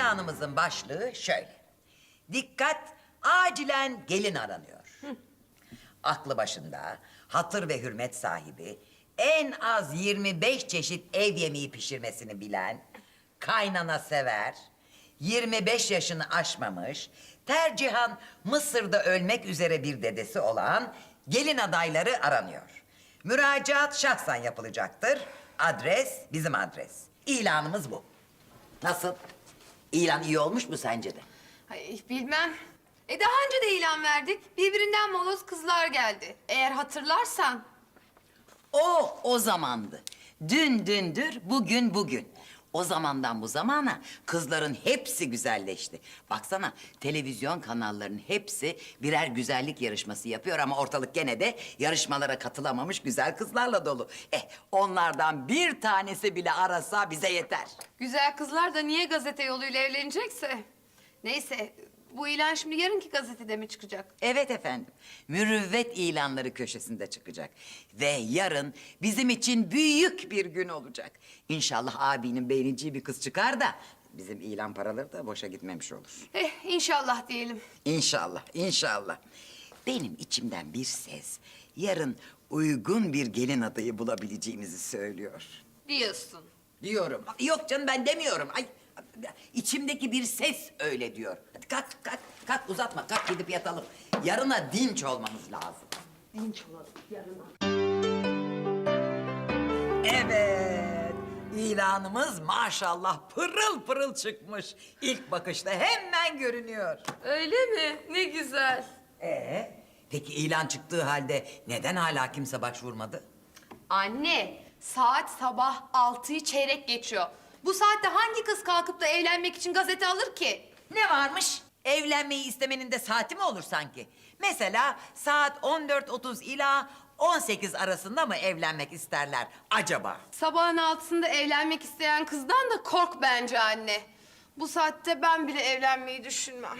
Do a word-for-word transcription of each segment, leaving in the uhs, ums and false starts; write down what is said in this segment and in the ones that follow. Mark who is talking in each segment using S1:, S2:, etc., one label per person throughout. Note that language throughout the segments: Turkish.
S1: İlanımızın başlığı şöyle. Dikkat, acilen gelin aranıyor. Aklı başında, hatır ve hürmet sahibi, en az yirmi beş çeşit ev yemeği pişirmesini bilen, kaynana sever, yirmi beş yaşını aşmamış, tercihan Mısır'da ölmek üzere bir dedesi olan gelin adayları aranıyor. Müracaat şahsen yapılacaktır. Adres bizim adres. İlanımız bu. Nasıl? İlan iyi olmuş mu sence de?
S2: Ay bilmem. E daha önce de ilan verdik. Birbirinden moloz kızlar geldi. Eğer hatırlarsan.
S1: O o zamandı. Dün dündür, bugün bugün. O zamandan bu zamana kızların hepsi güzelleşti. Baksana televizyon kanallarının hepsi birer güzellik yarışması yapıyor ama ortalık gene de yarışmalara katılamamış güzel kızlarla dolu. Eh onlardan bir tanesi bile arasa bize yeter.
S2: Güzel kızlar da niye gazete yoluyla evlenecekse. Neyse bu ilan şimdi yarınki gazetede mi çıkacak?
S1: Evet efendim. Mürüvvet ilanları köşesinde çıkacak. Ve yarın bizim için büyük bir gün olacak. İnşallah abinin beğeneceği bir kız çıkar da bizim ilan paraları da boşa gitmemiş olur.
S2: Eh inşallah diyelim.
S1: İnşallah, inşallah. Benim içimden bir ses yarın uygun bir gelin adayı bulabileceğimizi söylüyor.
S2: Diyorsun.
S1: Diyorum. Yok canım ben demiyorum. Ay, içimdeki bir ses öyle diyor. Hadi kalk, kalk, kalk uzatma. Kalk gidip yatalım. Yarına dinç olmamız lazım.
S2: Dinç olalım yarına.
S1: Evet. İlanımız maşallah pırıl pırıl çıkmış. İlk bakışta hemen görünüyor.
S2: Öyle mi? Ne güzel.
S1: Ee, peki ilan çıktığı halde neden hala kimse başvurmadı?
S2: Anne, saat sabah altıyı çeyrek geçiyor. Bu saatte hangi kız kalkıp da evlenmek için gazete alır ki?
S1: Ne varmış? Evlenmeyi istemenin de saati mi olur sanki? Mesela saat on dört otuz ila on sekiz arasında mı evlenmek isterler acaba?
S2: Sabahın altısında evlenmek isteyen kızdan da kork bence anne. Bu saatte ben bile evlenmeyi düşünmem.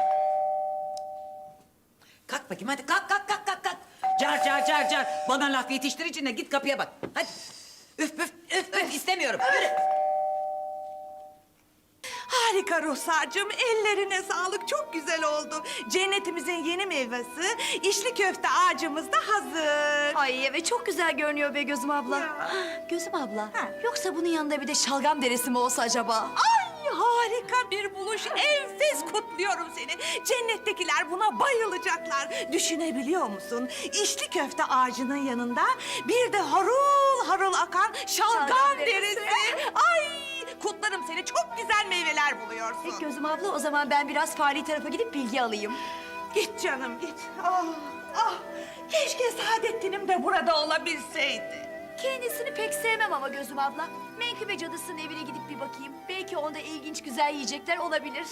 S1: Kalk bakayım hadi kalk kalk kalk kalk kalk. Car car car car. Bana laf yetiştiricine git kapıya bak. Hadi. Üf üf üf üf istemiyorum. Yürü.
S3: Harika Ruhsar'cığım, ellerine sağlık, çok güzel oldu. Cennetimizin yeni meyvesi, içli köfte ağacımız da hazır.
S4: Ay evet çok güzel görünüyor be Gözüm abla.
S3: Ya.
S4: Gözüm abla,
S3: Ha.
S4: yoksa bunun yanında bir de şalgam deresi mi olsa acaba?
S3: Ay harika bir buluş, enfes kutluyorum seni. Cennettekiler buna bayılacaklar. Düşünebiliyor musun? İçli köfte ağacının yanında bir de harul harul akan şalgam,
S4: Şalgam
S3: derisi.
S4: derisi.
S3: Ay kutlarım seni, çok güzel meyveler buluyorsun.
S4: Peki Gözüm abla, o zaman ben biraz fari tarafa gidip bilgi alayım.
S3: Git canım git. Ah, ah. Keşke Saadettin'im de burada olabilseydi.
S4: Kendisini pek sevmem ama Gözüm abla. Menkıbe cadısının evine gidip bir bakayım. Belki onda ilginç güzel yiyecekler olabilir.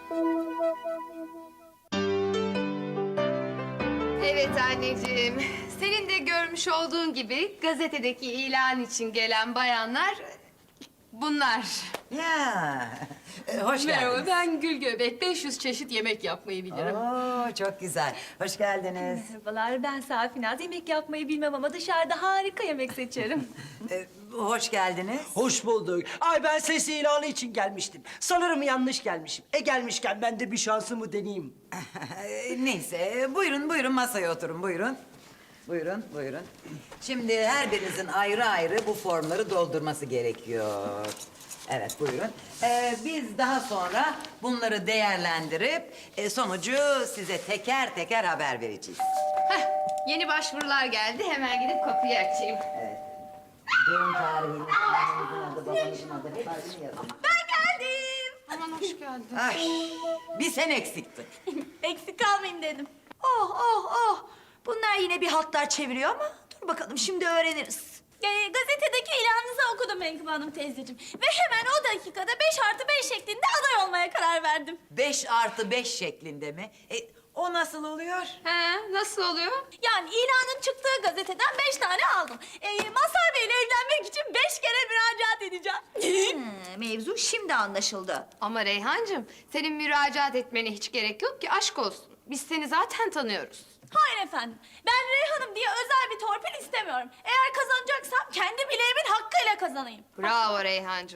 S2: Evet anneciğim. Senin de görmüş olduğun gibi gazetedeki ilan için gelen bayanlar bunlar.
S1: Ya. e, hoş
S5: Merhaba,
S1: geldiniz.
S5: ben Gül Göbek. beş yüz çeşit yemek yapmayı bilirim.
S1: Oo, çok güzel. Hoş geldiniz.
S4: Merhabalar, ben Safinaz. Yemek yapmayı bilmem ama dışarıda harika yemek seçerim.
S1: Ee, hoş geldiniz.
S6: Hoş bulduk. Ay ben ses ilanı için gelmiştim. Sanırım yanlış gelmişim. E gelmişken ben de bir şansımı deneyeyim.
S1: Ee, Neyse, buyurun buyurun masaya oturun buyurun. Buyurun buyurun. Şimdi her birinizin ayrı ayrı bu formları doldurması gerekiyor. Evet buyurun. Ee, biz daha sonra bunları değerlendirip e, sonucu size teker teker haber vereceğiz.
S2: Heh, yeni başvurular geldi. Hemen gidip kapıyı açayım.
S1: Doğum tarihiniz, annenizin adı, babanızın adı hepsini yazın.
S2: Aman hoş geldin.
S1: Ay, bir sen eksiktin.
S4: Eksik kalmayayım dedim. Oh oh oh. Bunlar yine bir hatlar çeviriyor ama dur bakalım şimdi öğreniriz.
S7: Ee, gazetedeki ilanınızı okudum Menkıbe Hanım teyzeciğim. Ve hemen o dakikada beş artı beş şeklinde aday olmaya karar verdim.
S1: Beş artı beş şeklinde mi? E, o nasıl oluyor?
S2: He, nasıl oluyor?
S7: Yani ilanın çıktığı gazeteden beş tane aldım. Ee, Mazhar Bey'le evlenmek için beş kere müracaat edeceğim.
S4: Hmm, mevzu şimdi anlaşıldı.
S2: Ama Reyhancığım, senin müracaat etmene hiç gerek yok ki, aşk olsun. Biz seni zaten tanıyoruz.
S7: Hayır efendim. Ben Reyhan'ım diye özel bir torpil istemiyorum. Eğer kazanacaksam kendi bileğimin hakkıyla kazanayım.
S2: Bravo Reyhancığım.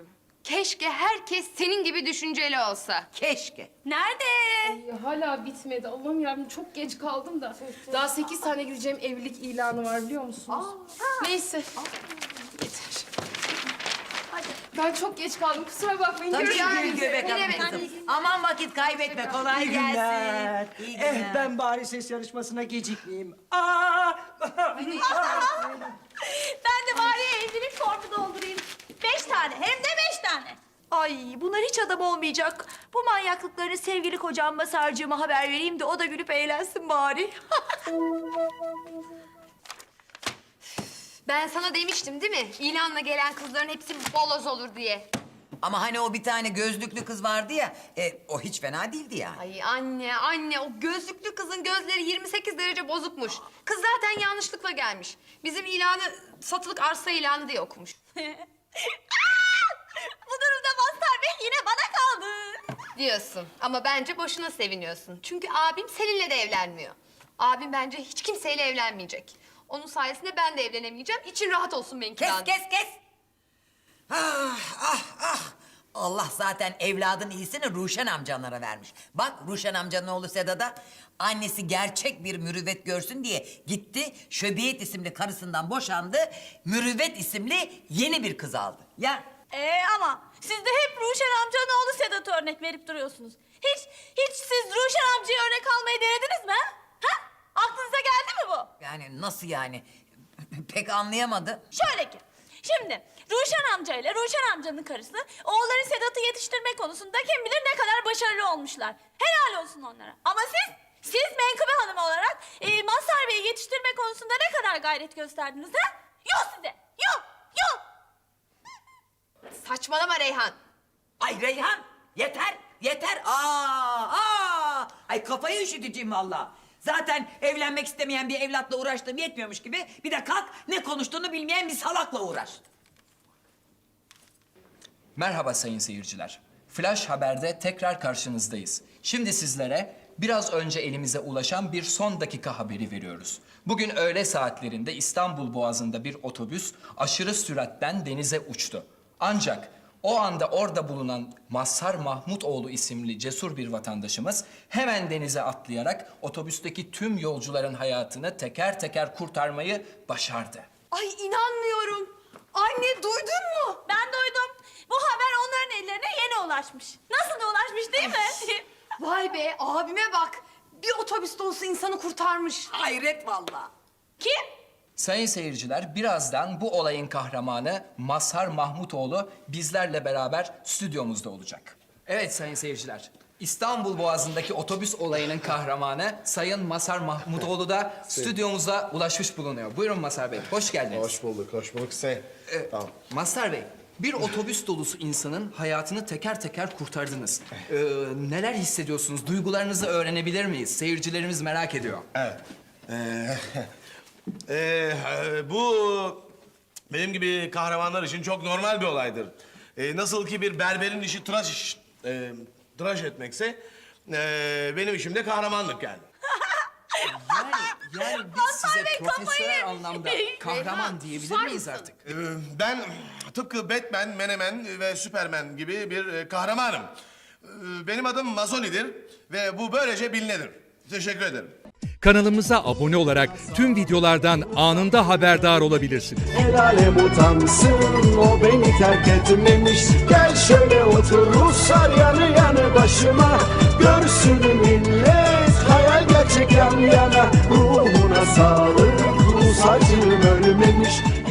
S2: Keşke herkes senin gibi düşünceli olsa.
S1: Keşke.
S7: Nerede?
S5: Ya hala bitmedi. Allah'ım yarabbim çok geç kaldım da. Daha sekiz tane gideceğim evlilik ilanı var biliyor musunuz? Neyse. Yeter. Ben çok geç kaldım. Kusura bakmayın.
S1: Tabii
S5: Görüşürüz.
S1: Gül Göbek Hanım
S2: demek?
S1: kızım. Aman vakit kaybetme, kolay
S6: İyi günler.
S1: gelsin. İyi günler.
S6: Eh ben bari ses yarışmasına gecikmeyeyim. Aa!
S7: Ben de bari evlilik formu doldurayım. Beş tane, hem de beş tane. Ay bunlar hiç adam olmayacak. Bu manyaklıklarını sevgili kocam Masarcığıma haber vereyim de o da gülüp eğlensin bari.
S2: Ben sana demiştim değil mi? İlanla gelen kızların hepsi boloz olur diye.
S1: Ama hani o bir tane gözlüklü kız vardı ya, e, o hiç fena değildi yani.
S2: Ay anne, anne o gözlüklü kızın gözleri yirmi sekiz derece bozukmuş. Kız zaten yanlışlıkla gelmiş. Bizim ilanı satılık arsa ilanı diye okumuş.
S7: Bu durumda Mazhar Bey yine bana kaldı.
S2: Diyorsun ama bence boşuna seviniyorsun. Çünkü abim seninle de evlenmiyor. Abim bence hiç kimseyle evlenmeyecek. Onun sayesinde ben de evlenemeyeceğim. İçin rahat olsun Menkıbe
S1: Kes
S2: Hanım.
S1: kes kes. Ah ah ah. Allah zaten evladın iyisini Ruşen amcanlara vermiş. Bak Ruşen amcanın oğlu Sedat'a annesi gerçek bir mürüvvet görsün diye gitti. Şöbiyet isimli karısından boşandı. Mürüvvet isimli yeni bir kız aldı. Ya
S7: Ee ama siz de hep Ruşen amcanın oğlu Sedat'ı örnek verip duruyorsunuz. Hiç, hiç siz Ruşen amcayı örnek almayı denediniz mi? Ha? Ha? Aklınıza geldi mi bu?
S1: yani nasıl yani? Pek anlayamadı.
S7: Şöyle ki, şimdi Ruşen amca ile Ruşen amcanın karısı oğulları Sedat'ı yetiştirme konusunda kim bilir ne kadar başarılı olmuşlar. Helal olsun onlara. Ama siz, siz Menkıbe Hanım olarak e, Mazhar Bey'i yetiştirme konusunda ne kadar gayret gösterdiniz ha? Yok size, yok, yok.
S2: Saçmalama Reyhan.
S1: Ay Reyhan yeter yeter. Aa, aa. Ay kafayı üşüteceğim valla. Zaten evlenmek istemeyen bir evlatla uğraştığım yetmiyormuş gibi bir de kalk ne konuştuğunu bilmeyen bir salakla uğraş.
S8: Merhaba sayın seyirciler. Flash Haber'de tekrar karşınızdayız. Şimdi sizlere biraz önce elimize ulaşan bir son dakika haberi veriyoruz. Bugün öğle saatlerinde İstanbul Boğazı'nda bir otobüs aşırı süratten denize uçtu. Ancak o anda orada bulunan Mazhar Mahmutoğlu isimli cesur bir vatandaşımız hemen denize atlayarak otobüsteki tüm yolcuların hayatını teker teker kurtarmayı başardı.
S2: Ay inanmıyorum. Anne duydun mu?
S7: Ben duydum. Bu haber onların ellerine yeni ulaşmış. Nasıl da ulaşmış değil mi?
S2: Vay be abime bak. Bir otobüs dolusu insanı kurtarmış.
S1: Hayret valla.
S7: Kim?
S8: Sayın seyirciler, birazdan bu olayın kahramanı Mazhar Mahmutoğlu bizlerle beraber stüdyomuzda olacak. Evet sayın seyirciler, İstanbul Boğazı'ndaki otobüs olayının kahramanı Sayın Mazhar Mahmutoğlu da stüdyomuza ulaşmış bulunuyor. Buyurun Mazhar Bey, hoş geldiniz.
S9: Hoş bulduk, hoş bulduk Hüseyin. Tamam.
S8: Mazhar Bey, bir otobüs dolusu insanın hayatını teker teker kurtardınız. Ee, neler hissediyorsunuz? Duygularınızı öğrenebilir miyiz? Seyircilerimiz merak ediyor.
S9: Evet. Ee, ee, bu benim gibi kahramanlar için çok normal bir olaydır. Ee, nasıl ki bir berberin işi tıraş iş, e, tıraş etmekse, e, benim işim de kahramanlık yani.
S8: Yani, yani biz size profesyonel anlamda kahraman diyebilir miyiz artık?
S9: Ee, ben tıpkı Batman, Menemen ve Superman gibi bir e, kahramanım. Ee, benim adım Mazoli'dir ve bu böylece bilinedir. Teşekkür ederim.
S10: Kanalımıza abone olarak tüm videolardan anında haberdar olabilirsiniz.
S11: El alem utansın, o beni terk etmemiş. Gel şöyle otur Ruslar yanı yanı başıma. Görsün millet, hayal gerçek yan yana. Ruhuna sağlık, Rus acım ölmemiş.